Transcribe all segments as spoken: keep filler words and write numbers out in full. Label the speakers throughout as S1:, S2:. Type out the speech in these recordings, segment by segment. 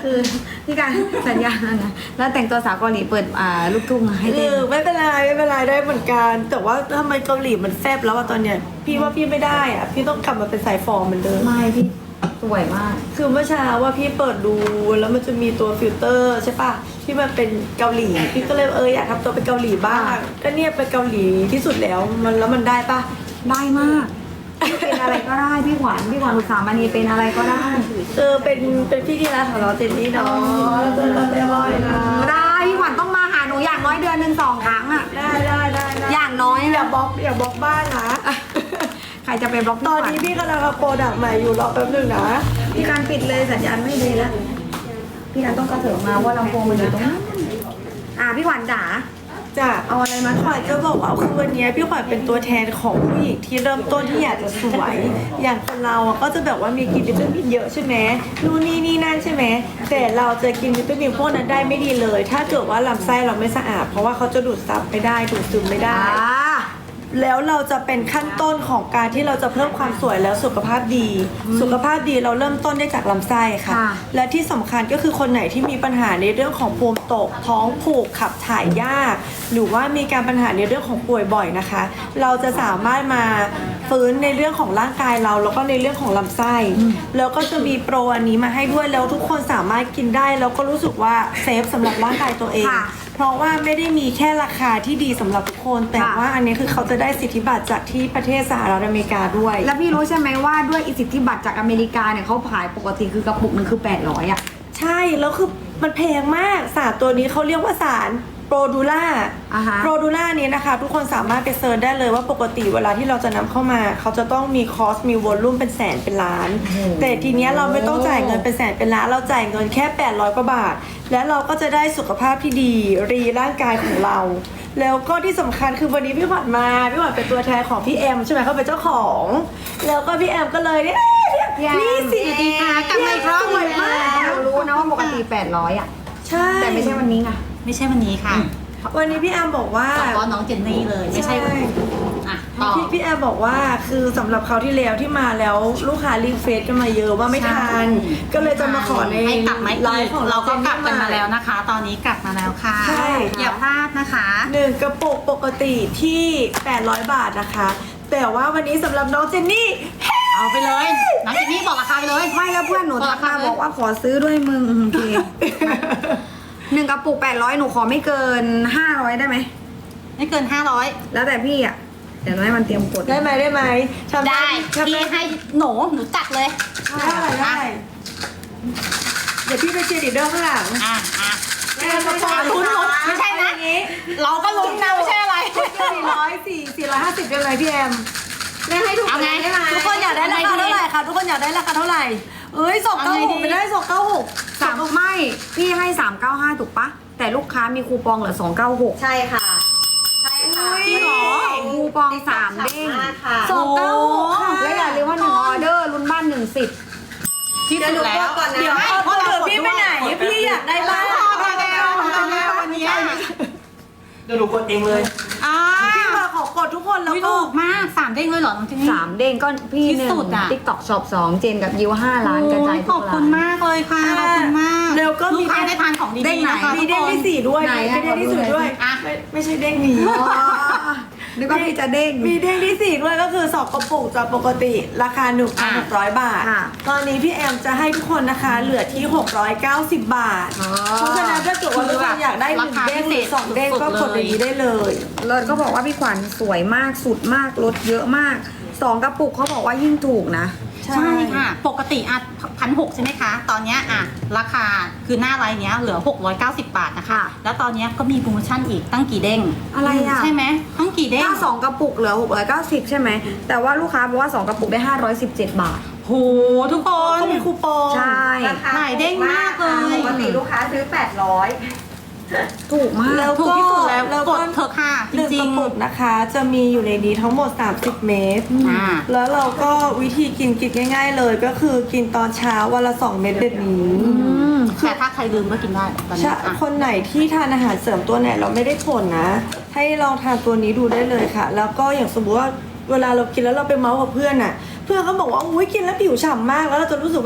S1: คือพี่การสัญญานะแล้วแต่งตัวสาวเกาหลีเปิดอ่าลูกทุ่งให้
S2: เอ
S1: เต้น
S2: อไม่เป็นไรไม่เป็นไรได้เหมือนกัน แต่ว่าทำไมเกาหลีมันแซ่บแล้วอะตอนเนี้ยพี่ว่าพี่ไม่ได้อะพี่ต้องกลับมาเป็นสายฟอร์มเหมือนเดิม
S1: ไม่พี่สวยมาก
S2: คือเมื่อเช้าว่าพี่เปิดดูแล้วมันจะมีตัวฟิลเตอร์ใช่ปะที่มันเป็นเกาหลีพี่ก็เลยเอออยากทำตัวเป็นเกาหลีบ้างก็เนี่ยเป็นเกาหลีที่สุดแล้วมันแล้วมันได้ปะ
S1: ได้มากพี่เป็นอะไรก็ได้พี่ขวัญพี่ขวัญอุตสาหมณีเป็นอะไรก็ได้
S2: เออเป็นเป็นพี่ที่รักของเราเจนนี่เนาะเจนเราเต้บอยนะ
S1: ได้พี่ขวัญต้องมาหาหนูอย่างน้อยเดือนหนึ่งสองครั้งอะ
S2: ได้ได้ได้ได้
S1: อย่างน้อย
S2: อย่าบล็อกอย่าบล็อกบ้านนะ
S1: ใครจะไปบล็อก
S2: ต
S1: พี่
S2: อน
S1: ขวัญ
S2: นี้พี่กำลังเอาโปรดักต์ใหม่อยู่รอแป๊บนึงนะ
S1: พี่การปิดเลยสัญญาณไม่ดีแล้วพี่การต้องกระเถิบมาว่าลำโพงมันอยู่ตรงนั้นอ่าพี่ขวัญจ๋า
S2: จ้ะ
S1: เอาอะไรมา
S2: ขวัญจะบอกว่าคือวันนี้พี่ขวัญเป็นตัวแทนของผู้หญิงที่เริ่มต้นที่อยากจะสวย อย่างคนเราอะก็จะแบบว่ามีกินวิตามินเยอะใช่ไหมนู่นนี่นี่นั่นใช่ไหมแต่เราจะกินวิตามินพวกนั้นได้ไม่ดีเลย ถ้าเกิดว่าลำไส้เราไม่สะอาด เพราะว่าเขาจะดูดซับไม่ได้ดูดซึมไม่ได้
S1: อ่า
S2: แล้วเราจะเป็นขั้นต้นของการที่เราจะเพิ่มความสวยแล้วสุขภาพดี สุขภาพดีเราเริ่มต้นได้จากลำไส้ค่ะ
S1: ค่ะ
S2: และที่สำคัญก็คือคนไหนที่มีปัญหาในเรื่องของภูมิตก ท้องผูกขับถ่ายยาก หรือว่ามีการปัญหาในเรื่องของป่วยบ่อยนะคะ เราจะสามารถมาฟื้นในเรื่องของร่างกายเราแล้วก็ในเรื่องของลำไส้แล้วก็จะมีโปรอันนี้มาให้ด้วยแล้วทุกคนสามารถกินได้แล้วก็รู้สึกว่าเซฟสำหรับร่างกายตัวเอง
S1: ค่ะ
S2: เพราะว่าไม่ได้มีแค่ราคาที่ดีสำหรับทุกคน แต่
S1: ค่ะ
S2: ว่าอันนี้คือเขาจะได้สิทธิบัตรจากที่ประเทศสหรัฐอเมริกาด้วย
S1: แล้วพี่รู้ใช่ไหมว่าด้วยอิสิทธิบัตรจากอเมริกาเนี่ยเขาขายปกติคือกระปุกหนึงคือแปดร้อยอ่ะ
S2: ใช่แล้วคือมันแพงมากสารตัวนี้เขาเรียกว่าสารโปรดูล่า
S1: อ่าฮะ
S2: โปรดูล่านี้นะคะ ทุกคนสามารถไปเซิร์ชได้เลยว่าปกติเวลาที่เราจะนำเข้ามา เขาจะต้องมีคอสมีวอลลุ่มเป็นแสนเป็นล้าน แต่ทีเนี้ยเราไม่ต้องจ่ายเงินเป็นแสนเป็นล้านเราจ่ายเงินแค่แปดร้อยกว่าบาท และเราก็จะได้สุขภาพที่ดีรีร่างกายของเรา แล้วก็ที่สำคัญคือวันนี้พี่ขวัญมาพี่ขวัญเป็นตัวแทนของพี่แอมใช่ไหมเขาเป็นเจ้าของ แล้วก็พี่แอมก็เลยเนี่ยนี่สิ
S1: สวัสดีค่ะกลับมาอีกรอบ
S2: สวยมาก
S1: เรารู้นะว่าปกติแปดร้อยอ่ะ
S2: ใช่
S1: แต่ไม่ใช่วันนี้ไง
S3: ไม่ใช่วันนี้ค่ะ
S2: วันนี้พี่แอมบอกว่า
S3: เฉพาะน้องเจนนี่เลยไม่ใช่วันนี้อ่ะต่อ
S2: พี่พี่แอมบอกว่าคือสำหรับเขาวที่แล้วที่มาแล้วลูกค้ารีเควสกันมาเยอะว่าไม่ทัน
S3: ใช่
S2: ก็เลยจะมาขอใน
S3: ให้กลับมา
S2: ไล
S3: อีก
S2: ฟ์ของ
S3: เราก็กลับกันมา
S2: เจ
S3: แล้วนะคะ ตอนนี้กลับมาแล้วค่ะ
S2: ใช่
S3: อย่าพลาดนะคะ
S2: หนึ่งกระปุกปกติที่แปดร้อยบาทนะคะ แต่ว่าวันนี้สำหรับน้องเจนนี่
S3: เอาไปเลยน้องเจนนี่บอกราคาไปเลย
S1: ไม่แล้วเพื่อนหนูทักมาบอกว่าขอซื้อด้วยมึงอืมโอเคหนึ่งกระปุกแปดร้อยหนูขอไม่เกินห้าร้อยได้ไหม
S3: ไม่เกินห้าร้อย
S1: แล้วแต่พี่อ่ะเดี๋ยวให้มันเตรียมกด
S2: ได้ไหมได้ไหมทำ
S3: ได้
S2: ทำ
S3: พี่
S2: ได้
S3: ให้หนูหนูจัดเลย
S2: ได้ได้ เดี๋ยวพี่ไปเชียร์ลีดเดอร์ข้างหลัง
S3: อ่ะอ่ะ
S2: แม่มาปอ
S3: ลุ้นลุ้นไม่ใช่นะ
S2: อย่างนี้
S3: เราก็ลุ้นนะไม่ใช่อะไร
S2: สี่ร้อยสี่สี่ร้อยห้าสิบได้ไหมพี่แอมได้ให้ทุกค
S3: เอา
S2: น
S3: ไง
S2: ได้ไหมทุกคนอยากได้ราคาเท่าไหร่คะทุกคนอยากได้ราคาเท่าไหร่เอ้ยสองเก้าหกไม่ได้สองเก้าหก
S1: สามไม่พี่ให้สามเก้าห้าถูกปะแต่ลูกค้ามีคูปองเหลือสองเก้าหก
S4: ใช่ค่ะ ใช่ค่ะ
S1: จริงเหรอคูปองสามเด้ง
S4: ค่ะ
S2: สองเก้าหกค่ะ
S1: และอย่าลืมว่าหนึ่งออเดอร์รุ่นบ้านหนึ่งสิบ
S3: ที่สุดแล้ว
S2: เดี๋ยว
S3: ให้
S2: เอา
S3: เพราะเรา
S2: เดี๋ยว
S3: กด
S2: พี่ไปไหน
S3: ด้วย
S2: พี่อยากได้บ้าง
S3: มาแล้วมาแล้ววันนี้
S5: เดี๋ยวหนูกดเองเลย
S3: อ่า
S2: พี่มาขอกดทุกคนแล้ว
S3: อุ๊ย
S2: ก็
S3: ถูกมากสามเด้งเลยเหรอน้องเจนนี่
S1: สามเด้งก็พี่
S3: ที่
S1: หนึ่ง
S3: สุดอะ
S1: ติ๊กต็อกช็อปสองเจนกับยิวห้าล้านกระจาย
S3: ข
S1: ทุ
S3: อบ
S1: ก
S3: คุ
S1: ร้า
S3: ณ
S1: น
S3: มากเลยค่ะขอบคุณมาก
S2: แล้วก็มี
S3: ลูกค้าได้ทานของ
S1: เด้
S3: ดี
S1: ง
S3: ๆ
S1: ไหน
S3: นะคะ
S2: มีเด้งที่สี่ด้วย
S1: ไหน
S2: มี
S1: อะ
S2: เด้งที่สี่ด้วย
S3: อ่ะ
S2: ไม่ไม่ใช่เด้งนี้
S1: อ๋อนึกว่าพี่จะเด้ง
S2: มีเด้งที่สี่ด้วยก็คือสองกระปุกจากปกติราคาหนึ่งพันหกร้อยบาท
S1: ค่ะ
S2: ตอนนี้พี่แอมจะให้ทุกคนนะคะเหลือที่หกร้อยเก้าสิบบาท
S1: อ๋อ
S2: เพราะฉะนั้นถ้าเกิดว่าทุกคนอยากได้หนึ่งเด้งหรือสองเด้งก็กดอย่างนี้ได้เลย
S1: เลิศก็บอกว่าพี่ขวัญสวยมากสุดมากลดเยอะมากสองกระปุกเขาบอกว่ายิ่งถูกนะ
S2: ใช่
S3: ใช่ค่ะ ปกติอ่ะพันหกใช่ไหมคะ ตอนเนี้ยอ่ะราคาคือหน้าไลน์เนี้ยเหลือหกร้อยเก้าสิบบาทนะคะ
S1: ค่ะ
S3: แล้วตอนเนี้ยก็มีโปรโมชั่นอีกตั้งกี่เด้ง
S1: อะไรอ่ะ
S3: ใช่ไหมตั้งกี่เด้ง
S1: ถ้าสองกระปุกเหลือหกร้อยเก้าสิบใช่ไหมแต่ว่าลูกค้าบอกว่าสองกระปุกได้ห้าร้อยสิบเจ็ดบาท
S3: โหทุกคน
S2: เขามีคูปอง
S1: ใช่
S4: ราคา
S3: หลายเด้งมากเลย
S4: ปกติลูกค้าซื้อ แปดร้อย
S1: ถูกมาก
S2: แล้ว
S3: ถูก
S2: ก็
S3: ที่สุดแล้ว
S2: แล้ว
S3: ก
S2: ก็
S3: ดเถอะค่ะจ
S2: หนึ่ง
S3: ริ
S2: ก
S3: ง
S2: ระปุกนะคะ จะมีอยู่ในนี้ทั้งหมดสามสิบเมตร
S3: ๆอ่า
S2: แล้วเราก็วิธีกินกินง่ายๆเลยก็คือกินตอนเช้าวันละสองเม็ดแบบนี้
S1: ม
S3: แต่ถ้าใครลืมก็กินได้ตอนนี้
S2: ใช่
S3: อ่ะ
S2: คนไหนที่ทานอาหารเสริมตัวไหนเราไม่ได้ผลนะ ให้ลองทานตัวนี้ดูได้เลยค่ะ แล้วก็อย่างสมมติว่าเวลาเรากินแล้วเราไปเมาส์กับเพื่อนน่ะ เพื่อนเขาบอกว่าอุ้ยกินแล้วผิวฉ่ำมากแล้วเราจะรู้สึกว่า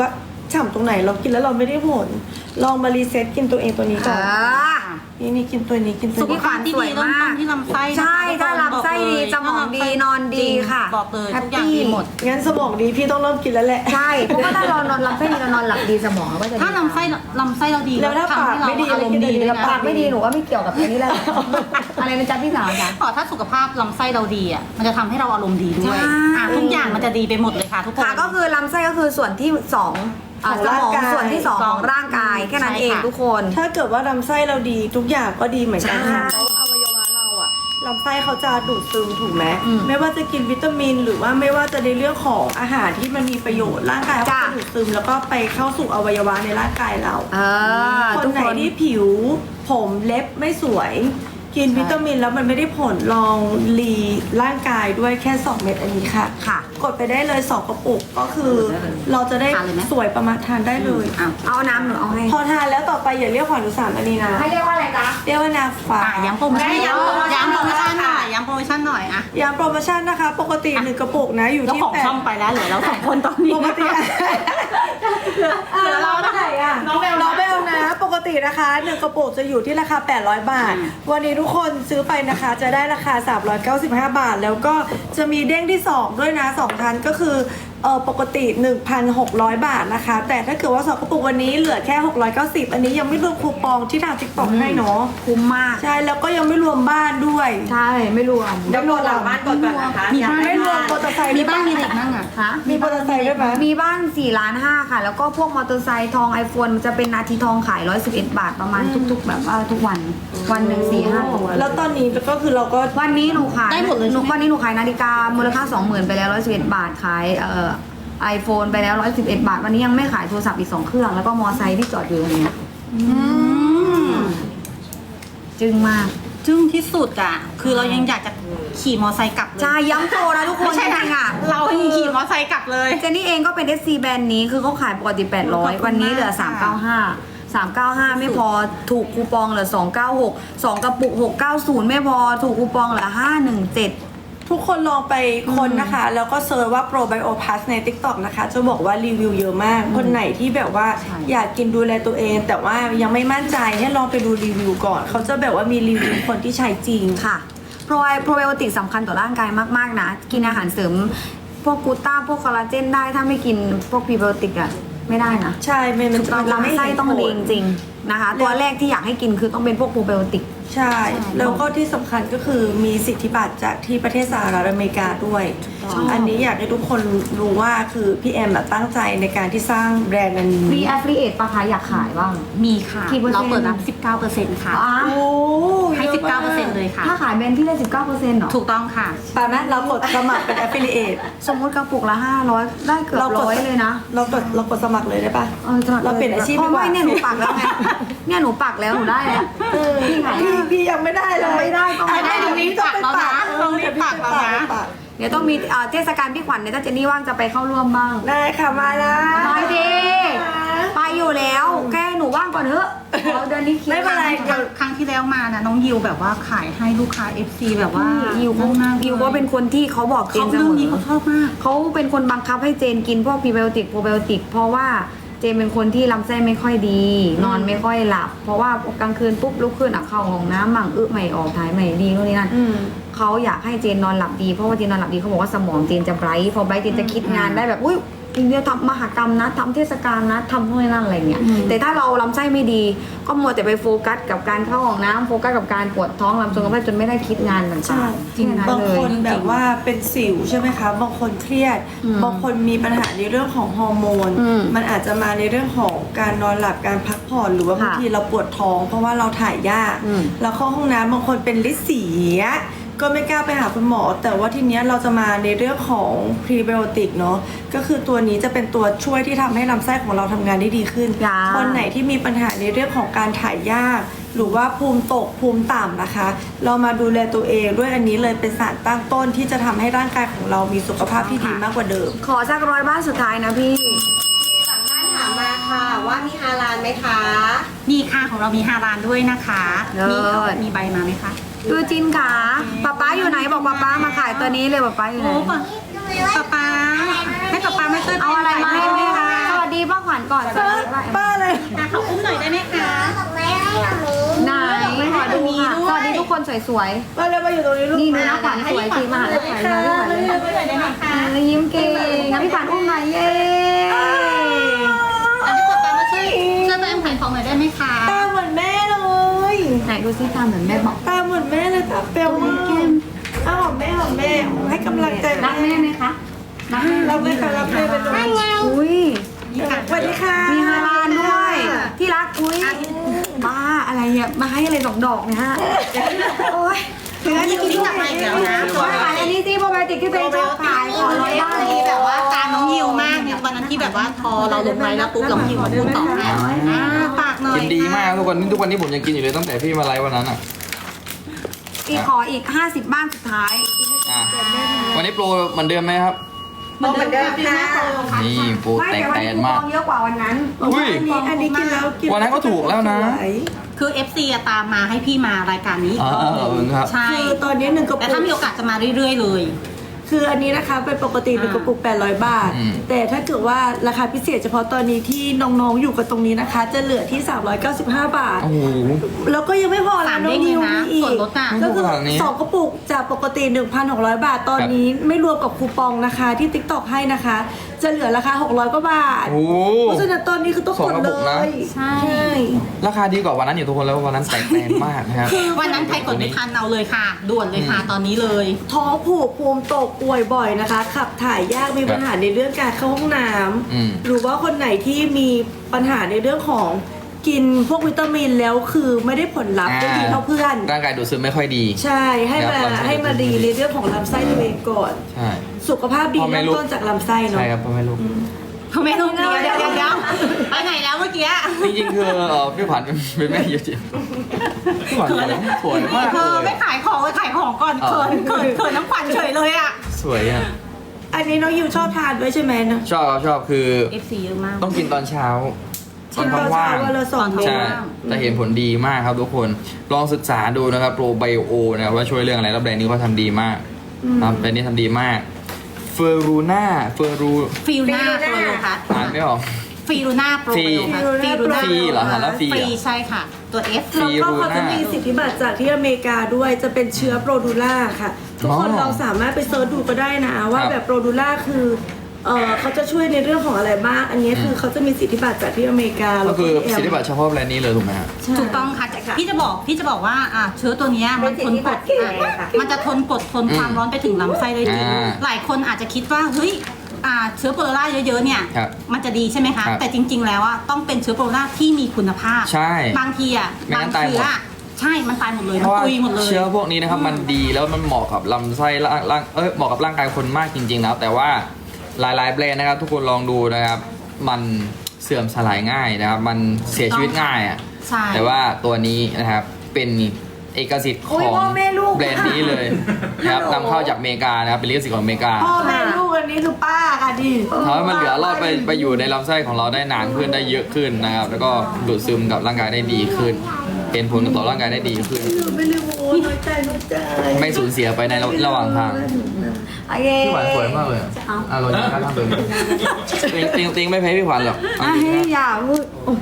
S2: ฉ่ำตรงไหนเรากินแล้วเราไม่ได้ผลลองมารีเซ็ตกินตัวเองตัวนี้
S1: เอ
S2: ก่อน
S1: อ
S2: นี่นี่กินตัวนี้กินตัว
S3: สุข
S2: นี้
S3: ภาพที่ดีเริ่มต้นที่ลำไส้นะคะ
S1: ใช่ถ้า
S3: ทุกคน
S1: ลำไส้ดี
S3: บอกเลย
S1: สมองดีนอนดีค่ะ
S3: บอกเลย
S1: แฮป
S3: ทุกอย่าง
S1: ปี้
S3: ดีหมด
S2: งั้นสมองดีพี่ต้องเริ่มกินแล้วแหละ
S1: ใช่เพราะว่าถ้าเรานอนลำไส้ดีเรานอนหลับดีสมองเราก็จะดี
S3: ถ้าลำไส้ลำไส้เราดี
S2: แล้วถ้า
S3: ทำให้
S2: ปากไม่ดี
S3: เราอารมณ์ดีด้วยนะ
S1: ปากไม่ดีหนูว่าไม่เกี่ยวกับอันนี้แหละอะไรนะจ๊ะพี่สาวจ๊ะ
S3: อ๋อถ้าสุขภาพลำไส้เราดีอ่ะมันจะทำให้เราอารมณ์ดีด้วย
S1: ใช่
S3: อ่ะทุกอย่างมันจะดีไปหมดเลยค่ะทุกคน
S1: ค่ะก็คือลำไส้ก็คือส่วนที่สองอ่ะ
S2: ของ
S1: ส
S2: ร่าง
S1: มอง
S2: กาย
S1: ส่วนที่สองของร่างกายแค่นั้น
S3: ใช่
S1: เอง
S3: ค่ะ
S1: ทุกคน
S2: ถ้าเกิดว่าลำไส้เราดีทุกอย่างก็ดีเหมือนกันค่ะ
S1: ใช่
S2: เพราะอวัยวะเราอะลำไส้เขาจะดูดซึมถูกไหม
S1: อืม
S2: ไม่ว่าจะกินวิตามิน หรือว่าไม่ว่าจะในเรื่องของอาหารที่มันมีประโยชน์ร่างกายเขา
S1: จ้ะ
S2: จะดูดซึมแล้วก็ไปเข้าสู่อวัยวะในร่างกายเรา
S1: เออ
S2: คน
S1: ทุก
S2: ไหน
S1: คน
S2: ที่ผิวผมเล็บไม่สวย กินวิตามินแล้วมันไม่ได้ผลลองรีร่างกายด้วยแค่สองเม็ดอันนี้ค่ะ
S1: ค่ะ
S2: กดไปได้เลยสองกระปุกก็คือเราจะได้
S3: ทานเลยไหม
S2: สวยประมาณทานได้เลย
S3: อ่ะ
S1: เอาน้ำหนูเอาให้
S2: พอทานแล้วต่อไปอย่าเรียกขวัญอุสามอันนี้นะ
S1: ให้เรียกว่าอะไรจ๊ะ
S2: เรียกว่านางฟ้า
S3: อ่ะย้ำโปรโมชั่น
S4: ย้ำโปรโมชั่น
S3: ย้ำโปรโมชั่นหน่อยย้ำโปรโมชั่นหน่อยอ่ะ
S2: ย้ำโปรโมชั่นนะคะ ปกติหนึ่งกระปุกนะอยู่
S3: เจ้า
S2: ที่
S3: ของ
S2: แปด
S3: ช่องไปแล้วเหลือเราสองคนตอนนี้
S2: ปกติ
S3: เหลือเรา
S2: เท่าไหร่อ่ะ
S3: น้องเบล
S2: น้องเบลนะ ปกตินะคะหนึ่งกระปุกจะอยู่ที่ราคาแปดร้อยบาท
S3: อืม
S2: วันนี้ทุกคนซื้อไปนะคะจะได้ราคาสามร้อยเก้าสิบห้าบาท แล้วก็จะมีเด้งที่สองด้วยนะสองทันก็คือเออปกติ หนึ่งพันหกร้อย บาทนะคะ แต่ถ้าเกิดว่าสองกระปุกวันนี้เหลือแค่หกร้อยเก้าสิบอันนี้ยังไม่รวมคูปองที่ทาง TikTok ให้เนาะ
S1: คุ้มมาก
S2: ใช่แล้วก็ยังไม่รวมบ้านด้วย
S1: ใช่ไม่รวม
S4: เดี๋ยวกดหลังบ้านกดก่อนนะคะ
S3: มี
S4: อยาก
S3: บ้าน
S2: ไม่รวมมอเตอร์ไซค์
S3: มี
S2: ด้วย
S3: บ้าน
S2: ปะ
S3: มีเด็กนั่งอ่ะ
S1: ฮะ
S2: มีมอเตอร์ไซค์ด้วยไหม
S1: มีบ้านสี่ล้านห้าค่ะ แล้วก็พวกมอเตอร์ไซค์ทอง iPhone จะเป็นนาทีทองขายร้อยสิบเอ็ดบาทประมาณทุกๆ แบบว่าทุกวัน วันหนึ่งสี่ห้าตัว
S2: แล้วตอนนี้ก็คือเราก็
S1: วันนี้หนูขาย
S3: ได้หมดเลยใช่
S1: ห
S3: ไหม
S1: นูวันนี้หนูขายนาฬิกามูลค่าสองหมื่นไปแล้วร้อยสิบเอ็ดบาทขายเอ่อไอโฟนไปแล้วร้อยสิบเอ็ดบาท วันนี้ยังไม่ขายโทรศัพท์อีกสองเครื่องแล้วก็มอไซค์ที่จอดอยู่ตรงนี้จึงมาก
S3: จึ้งที่สุดอ่ะ คือเรายังอยากจะขี่มอไซค์กลับเลย
S1: ใช่ย้ำโปรนะทุกคน
S3: ไม่ใช่
S1: จริงๆอ่ะ
S3: เรายังขี่มอไซค์กลับเลย
S1: เจนนี่เองก็เป็น เอส ซี แบรนด์นี้คือเขาขายปกติแปดร้อย
S3: ขอบคุณ
S1: วันนี้เหลือ
S3: มาก
S1: สามเก้าห้า สามเก้าห้าไม่พอถูกคูปองเหลือสองเก้าหก สองกระปุกหกเก้าศูนย์ไม่พอถูกคูปองเหลือห้าหนึ่งเจ็ด
S2: ทุกคนลองไปค้นนะคะ แล้วก็เซิร์ชว่า Pro Bio Plus ใน TikTok นะคะ จะบอกว่ารีวิวเยอะมาก คนไหนที่แบบว่า
S1: ใช่
S2: อยากกินดูแลตัวเอง แต่ว่ายังไม่มั่นใจให้ลองไปดูรีวิวก่อน เขาจะแบบว่ามีรีวิวคนที่ใช้จริง
S1: ค่ะโปรไบโปรไบโอติกสำคัญต่อร่างกายมากๆนะ กินอาหารเสริม พวกกลูต้าพวกคอลลาเจนได้ถ้าไม่กินพวกพรีไบโอติกอะไม่ได้นะ
S2: ใช่ไม่มันจะมันจะไม่
S1: ลำไส้
S2: เห็น
S1: ต้อง
S2: ผ
S1: ดี
S2: ล
S1: จริงๆนะคะ ตัวแรกที่อยากให้กินคือต้องเป็นพวกโปรไบโอติก
S2: ใช่ แล้วก็ที่สำคัญก็คือมีสิทธิบัตรจากที่ประเทศสหรัฐอเมริกาด้วย
S1: ต้อง
S2: อันนี้อยากให้ทุกคนรู้ว่าคือพี่แอมแบบตั้งใจในการที่สร้างแบรนด์อันนี้
S1: มีแอฟลิเอตปะคะอยากขายบ้าง
S3: มีค่ะ
S1: กี่เปอร์เซ็นต์
S3: เราเปิดรับ สิบเก้าเปอร์เซ็นต์ ค่ะ
S1: อ๋อ
S2: โอ้
S3: ให้
S2: ยอะมก
S3: สิบเก้าเปอร์เซ็นต์ เลยค่ะ
S1: ถ้าขายแบรนด์ที่ได้สิบเก้าเปอร์เซ็นต์หรอ
S3: ถูกต้องค่ะ
S2: ไปไหมเรากดสมัครเป็น affiliate
S1: สมมติกระปุกละห้าร้อยได้เกือบ
S2: เรากด
S1: ร้อยเลยนะ
S2: เรากดเรากดสมัครเลยได้ปะ
S1: ออสมัค
S2: เราเปลี่ยนอาชีพดีกว่า
S1: เพระไม่เนี่ยหนูปักแล้วไง เนี่ยหนูปักแล้วหนูได้แล้วพี่ขาย
S2: พี่พี่ยังไม่ได้เลย
S1: ยังไม่ได้ต้อง
S2: อ่ะ
S3: ได้
S2: เดี๋ยวนี้จะไป
S3: ต้องรีบปักแล้วนะ
S2: เออ
S3: ต้องรีบปักแล้วนะ
S2: ปัก
S1: เดี๋ยวต้องมีเอ่อเทศกาลพี่ขวัญเนี่ยถ้าเจนนี่ว่างจะไปเข้าร่วมบ้าง
S2: ได้ค่ะมานะ
S1: ไปดิไปอยู่แล้วแค่หนูว่างก่อนเถอะเอาเดือนนี้คิว
S2: ไม่เป็นไร
S3: ครั้งครั้งที่แล้วมานะน้องยิวแบบว่าขายให้ลูกค้า เอฟ ซี แบบว่า
S1: ยิวเขา
S3: มากๆ
S1: ยิวก็เป็นคนที่เขาบอกเจ
S3: เขา
S1: นเส
S3: เรื่
S1: ม
S3: องนี้
S1: อ
S3: เขาชอบมาก
S1: เขาเป็นคนบังคับให้เจนกินพวกพรีไบโอติกโปรไบโอติกเพราะว่าเจนเป็นคนที่ลำไส้ไม่ค่อยดี นอนไม่ค่อยหลับ เพราะว่ากลางคืนปุ๊บลุกขึ้นอ่ะเข้าห้องน้ำมั่งอึไม่ออกถ่ายไม่ดีนู่นนี่นั่น
S2: อืม
S1: เขาอยากให้เจนนอนหลับดีเพราะว่าเจนนอนหลับดีเขาบอกว่าสมองเจนจะไบรท์พอไบรท์เจนจะคิดงานได้แบบอุ้ยเดี๋ยวทำมหกรรมนะทำเทศกาลนะทำนู่นนนั่นอะไรเงี้ยแต่ถ้าเราลำไส้ไม่ดี ก็มัวแต่ไปโฟกัสกับการเข้าห้องน้ำโฟกัสกับการปวดท้องลำทรงกระเพาะจนไม่ได้คิดงานต่าง
S2: ใช่
S1: ๆแค่นั้น
S2: บาง
S1: เล
S2: ค
S1: ย
S2: นแบบว่าเป็นสิวใช่ไหมคะ บางคนเครียด
S1: อืม
S2: บางคนมีปัญหาในเรื่องของฮอร์โมน
S1: อืม
S2: มันอาจจะมาในเรื่องของการนอนหลับการพักผ่อนหรือว่า
S1: ค่ะ
S2: บางทีเราปวดท้อง เพราะว่าเราถ่ายยาก
S1: อืม
S2: แล้วเข้าห้องน้ำบางคนเป็นลิเสีย ก็ไม่กล้าไปหาคุณหมอ แต่ว่าทีเนี้ยเราจะมาในเรื่องของพรีไบโอติกเนาะก็คือตัวนี้จะเป็นตัวช่วยที่ทำให้ลำไส้ของเราทำงานได้ดีขึ้น
S1: จ้า
S2: คนไหนที่มีปัญหาในเรื่องของการถ่ายยาก หรือว่าภูมิตกภูมิต่ำนะคะ เรามาดูแลตัวเองด้วยอันนี้เลยเป็นสารตั้งต้นที่จะทำให้ร่างกายของเรามีสุขภาพที่ดีมากกว่าเดิม
S1: ขอสักร้อยบ้านสุดท้ายนะพี่
S4: มีหลังบ้านถามมาค่ะว่ามีฮาลาลไหมคะ
S3: มีค่ะของเรามีฮาลาลด้วยนะคะ
S1: เลิศ
S3: มีมีใบมาไหมคะ
S1: ดูจินค่ะป๊าป๊าอยู่ไหนบอกป๊าป๊ามาขายตัวนี้เลยป๊าป๊าอยู่ไหน
S3: โอ้ปะป๊าป๊าให้ป๊าป๊าไม่เต้น
S1: เอาอะไรมาให้แม่คะสวัสดีดีป้าขวัญก่อนสวัสดีป้า
S2: ป้าเลย
S3: อ่ะขออุ้มหน่อยได้ไหมคะ
S1: ไหนขอดูค่ะสวัสดีทุกคนสวย
S2: ป้าเลยมาอยู่ตรงนี้ลู
S1: ๆ
S2: ก
S1: นี่ดูนะขวัญสวยสีมาหาขวัญมาพี่ขวัญเลย
S3: อุ้มหน่อยได้ไหมคะ
S1: เออยิ้มเก่งงั้นพี่ขวัญอุ้มหน่อยเย้
S3: อันนี้กดตามมาช่วยช่วยตัวเอ็มขายของหน่อยได้ไหมคะ
S2: ตาเหมือนแม่เลย
S1: ไหนดูซิตามเหมือนแม่บอก
S2: ตาเหมือนแม่เลยตาเปรี้ยวมากอ้าวหอมแม่หอมแม่ให้กำลังใจ
S1: รักแม่ไหมคะรักแม่
S2: เราไม่ค่ะรับแม่เป็นลูก
S1: อุ้ย
S2: สวัสดีค่ะ
S1: มีฮาลานด้วย ที่รักอุ้ยบ้าอะไรเนี่ยมาให้อะไรดอกดอกๆเนี่ยฮะโอ้ย
S3: คืออันนี้กินกลับมาอีกแล้วนะ
S1: ตัวขายอันนี้สิโปรไบโอติกที่เป็นชอบขายขอร้อยบ้าน
S3: นี้แบบว่าตามน้องยิวมากในวันนั้นที่แบบว่าพอเราลงไลน์แล้วปุ๊บน้องยิวมาพูดต่อให้อ่าฝากหน่อย
S6: กินดีมากทุกวันนี้ทุกวันนี้ผมยังกินอยู่เลยตั้งแต่พี่มาไลฟ์วันนั้นอ่ะ
S1: อีกขออีกห้าสิบบ้านสุดท้าย
S6: อ่ะวันนี้โปรเหมือนเดิมไหมครับ
S3: เหมือนเดิมค่ะ
S6: นี่โปร
S1: ไม่
S6: แตก
S1: แต่วัน
S6: แต
S1: นี้
S6: น
S1: คู
S6: มา
S1: ป
S6: ก
S1: องเยอะกว่าวันนั้น
S6: อุ้ย
S2: อันนี้อันนี้กินแล้วกิน
S6: วันนั้นก็ถูกแล้วนะ
S2: สย
S3: คือ เอฟ ซี อะตามมาให้พี่มารายการนี้อีก
S6: อ่าร
S3: อบหนึ
S6: ขอบคุณ
S3: ง
S6: ครับ
S3: ใช่
S2: คือตอนนี้หนึ่งกระ
S3: แต่
S2: ปุ
S3: ถ้าก มีโอกาสจะมาเรื่อยๆเลย
S2: คืออันนี้นะคะเป็นปกติเป็นกระปุกแปดร้อยบาท
S6: อืม
S2: แต่ถ้าเกิดว่าราคาพิเศษเฉพาะตอนนี้ที่น้องๆอยู่กันตรงนี้นะคะ จะเหลือที่ สามร้อยเก้าสิบห้า บาท
S6: โอ้โห
S2: แล้วก็ยังไม่พอ
S3: สา
S2: นะ
S3: ม
S2: น้อ
S3: เด้
S2: ง
S3: ง
S2: นิว
S3: เลยนะ
S2: มีอี
S3: ส่วน
S2: ก
S3: ลดอ่ะ
S2: ก็คือ
S6: ขนาดนี้
S2: สองกระปุกจากปกติ หนึ่งพันหกร้อย บาท ตอนนี้ไม่รวมกับคูปองนะคะที่ TikTok ให้นะคะ จะเหลือราคาหกร้อยกว่าบาท
S6: โอ้โห
S2: เพราะฉะนั้นตอนนี้คือต้อง
S6: สอก ง
S2: ด
S6: กระ
S2: เล
S6: ปุกนะ
S2: ย
S3: ใช่
S6: ราคาดีกว่าวันนั้นอยู่ทุกคนแล้ววันนั้นแตกแตนมากนะครับ
S3: วันนั้นใครกดไม่ทันเอาเลยค่ะ ด่วนเลยค่ะ ตอนนี้เลย
S2: ท้องผูกภูมิตกป่วยบ่อยนะคะ ขับถ่ายยากมีปัญหาในเรื่องการเข้าห้องน้
S6: อืม
S2: ำหรือว่าคนไหนที่มีปัญหาในเรื่องของกินพวกวิตามินแล้วคือไม่ได้ผลลัพธ์ได้ดีเท่าเพื่อน
S6: ร่างกายดูดซึมไม่ค่อยดี
S2: ใช่ให้มา
S6: ครับลำไส้
S2: ให้มาดีในเรื่องของลำไส้ตัวเองก่อน
S6: ใช่
S2: สุขภาพดี
S6: พ่อแม่
S2: เริ่ม
S6: ลูก
S2: ต้นจากลำไส้เนาะ
S6: ใช่ครับพ่อแม่ลูก
S3: เขาไม่ต้องเดี๋ยวเดี๋ยวเดี๋ยวเดี๋ยวไปไหนแล้วเมื่อกี้
S6: จริงๆคือเอ่อพี่ขวัญเป็นแม่เยอะจริงพี่ขวัญสวยมาก
S3: เธอ
S6: เล
S3: ไม่
S6: ย
S3: ขายของเลยขายของก่อน
S6: อ๋อ
S3: เขินเขินเขินน้ำขวัญเฉยเลยอ่ะ
S6: สวยอ่ะ
S2: อันนี้น้องยูชอบทานด้วยใช่ไหมนะ
S6: ชอบครับชอบคือ
S3: เอฟ ซี เยอะมาก
S6: ต้องกินตอนเช้าต
S2: ชิ
S6: อน
S2: มตอน
S6: ว่าง
S2: เช้าวันละสอง
S3: ตอน
S2: เม็ด
S6: ใช่จะเห็นผลดีมากครับทุกคน ลองศึกษาดูนะครับโปรไบโอนะครับว่าช่วยเรื่องอะไรแล้วแบรนด์นี้เขาทำดีมากครับแบรนด์นี้ทำดีมากเฟอร์รูน่าเฟอร์รู
S3: ฟิลหน้าโปรโลคัส
S6: อ่านไม่ออก
S3: ฟิลูน่าโปร
S6: ฟรี
S3: โลคัสฟิลูน่า
S6: ฟรีเหรอฮะแล้วฟรี
S3: ฟ
S6: เหร
S3: รี
S6: อ
S3: ใช่ค่ะ ตัว F
S2: แล้วก็เขาจะ
S6: ฟิรูน่า
S2: มีสิทธิบัตรจากที่อเมริกาด้วยจะเป็นเชื้อโปรดูล่าค่ะ ทุกคน
S6: อ๋อ
S2: เราสามารถไปเซิร์ชดูก็ได้นะ ว่า
S6: ครับ
S2: แบบโปรดูล่าคือเออเขาจะช่วยในเรื่องของอะไรบ้างอันนี้คือเขาจะมีสิทธิบัตรจากที่อเมริกา
S6: ก็คือ
S2: ที่แอม
S6: สิทธิบัตรเฉพาะแบรนด์นี้เลยถูกไหมฮะ
S2: ใช่
S3: ถูกต้องค่ะพี่จะบอกพี่จะบอกว่าอ่ะเชื้อตัวเนี้ยมันทนกดอ่ะมันจะทนกดทนความร้อนไปถึงลำไส้ได้ดี
S6: อ่า
S3: หลายคนอาจจะคิดว่าเฮ้ยอ่าเชื้อโปรโลล่าเยอะๆเนี่ย
S6: ครับ
S3: มันจะดีใช่ไหมคะ
S6: ครับ
S3: แต่จริง ๆ แล้วอ่ะต้องเป็นเชื้อโปรโลล่าที่มีคุณภาพ
S6: ใช่
S3: บางทีอ่ะ
S6: ไม่งั้
S3: บาง
S6: นตายหมด
S3: เชื้อใช่มันตายหมดเลย
S6: เพ
S3: มัน
S6: ราะว่า
S3: ตุยหมดเลย
S6: เชื้อพวกนี้นะครับมันดีแล้วมันเหมาะกับลำไส้ร่างร่างเอ้ยเหมาะกับร่างกายคนมากจริงๆนะครับแต่ว่าหลายๆแบรนด์นะครับ ทุกคนลองดูนะครับ มันเสื่อมสลายง่ายนะครับ มันเสียชีวิตง่ายอ่ะ
S3: ใช่
S6: แต่ว่าตัวนี้นะครับเป็นเอกสิทธิ์ข
S2: โอ้ย
S6: อง
S2: พ่อแม่ลูก
S6: แบรนด์นี้เลยนะครับนำเข้าจากอเมริกานะครับเป็นลิขสิทธิ์ของอเมริกา
S2: พ่อแม่ลูกอันนี้คือป้าค่ะดิ
S6: ทำให้มันเหลือรอดไปไปอยู่ในลำไส้ของเราได้นานขึ้นได้เยอะขึ้นนะครับ แล้วก็ดูดซึมกับร่างกายได้ดีขึ้น เป็นผลต่อร่างกายได้ดีขึ้น
S2: ไม่ได้โว้ยน้อยใจน้อยใจ
S6: ไม่สูญเสียไปในระหว่างทาง
S1: โอเค
S6: พี่ขวัญสวยมากเลยอะอ่ะเราจะทำตัวนี้ติงติงติงไม่แพ้พี่ขวัญหรอกเอา
S1: อ่ะ
S6: จริง
S1: ให้
S6: นะ
S1: อย่าพูดโอ้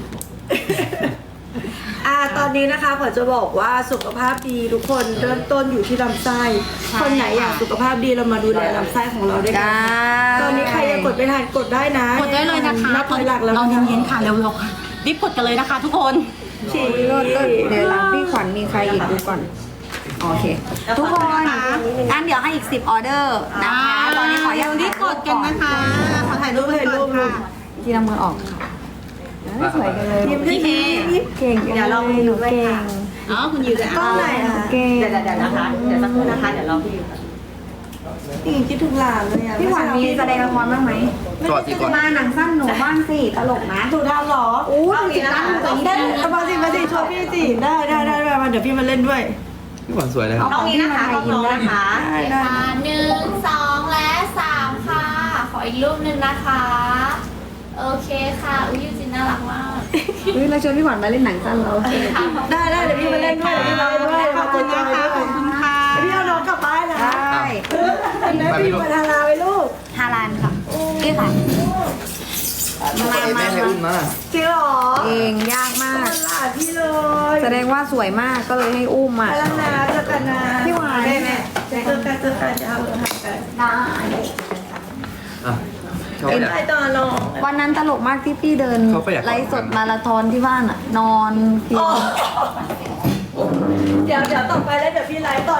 S2: อ่าตอนนี้นะคะขอจะบอกว่าสุขภาพดีทุกคนเริ่มต้นอยู่ที่ลำไส้ คนไหนอยากสุขภาพดีเรามาดูแลลำไส้ของเราด้วยกัน
S1: ได้
S2: ตอนนี้ใครยังกดไม่ทันกดได้นะ
S3: กดได้เลยนะคะ
S2: นับถอยหลังแล้ว
S3: เรา
S2: นะคะ
S3: เย็นๆค่ะเร็วๆค่ะรีบกดกันเลยนะคะ ทุกคน
S2: ฉี่
S1: เลิศเลิศเดี๋ยวหลังพี่ขวัญมีใครอีกดูก่อน โอเค ทุกคนงั้นเดี๋ยวให้อีกสิบออเดอร์นะคะ ตอนนี้ขออนุญาต
S3: รีบกดกันนะคะ ขอถ่ายรูปให้ก่อนค่ะ
S1: ที่นำมือออกค่ะเอ้ยสวยกันเลย
S2: ยิ้มได้
S3: พี่
S2: ยิ้ม
S3: เค
S2: ยิ้ม
S1: เก่ง
S4: เดี๋ยวเราไปดูด้วยค่ะ
S3: อ๋อคุณยูเลย
S2: กล้องไหนอ่ะ
S1: เก่ง
S4: เดี๋ยวเดี๋ยวนะคะ เดี๋ยวสักครู่นะคะ เดี๋ยวเราพี่อยู่
S2: นี่คิดถึงหลานเลยอ่ะ
S1: พี่ขวัญมีแสดงละครบ้างไหม
S6: กอดสิกอด
S1: มาหนังสั้นหนูบ้างสิตลกนะ
S2: ถูกทำเหรอ
S1: อู้หนูติดตามหนูตัวนี้
S2: ได้
S1: ได้
S2: มาสิมาสิชวนพี่สิได้ได้ได้ได้มาเดี๋ยวพี่มาเล่นด้วย
S6: พี่ขวัญสวยเลยครับ
S4: น้องนี้นะคะน้องน้องนะคะ
S2: ได้ได้
S7: ค่ะหนึ่งสองและสามค่ะ ขออีกรูปหนึ่งนะคะ โอเคค่ะ อุ้ยยูจินน่ารักมาก
S1: เฮ้ยเราชวนพี่ขวัญมาเล่นหนังสั้นเรา
S7: ค่ะขอบคุณ
S2: ได้ได้เดี๋ยวพี่มาเล่นด้วยเดี๋ยวพี่มาเล่นด้วย
S3: ขอบคุณนะคะขอบคุณค่ะ
S2: เดี๋ยวพี่เอาน้องกลับบ้านนะ
S1: ได้
S2: นะพี่มาทาราไปลูก
S1: ฮาลานค่ะนี่ค่ะมามา
S6: แม่ให้อุ้มมา
S2: จริงเหรอ
S1: เองยากมาก
S2: มันหลานพี่เลย
S1: แสดงว่าสวยมากก็เลยให้อุ้ม
S2: ไป
S1: อ่ะ
S2: แล้วนะเจอกันนะ
S1: พี่หวาน
S2: แม่แม่เจอกันเจอกันจะเอาหากัน
S1: ได้
S6: อ่ะชอบ
S2: ไม่
S6: เนี่ย
S2: ได้ตอนลง
S1: วันนั้นตลกมากที่พี่เดิน
S6: เขาก็อยาก
S1: ไลฟ์สดมาราธอนที่บ้านอ่ะ นอนกิน
S2: เดี๋ยวเดี๋ยวต่อไปแล้วเดี๋ยวพี่ไลฟ์ต่อ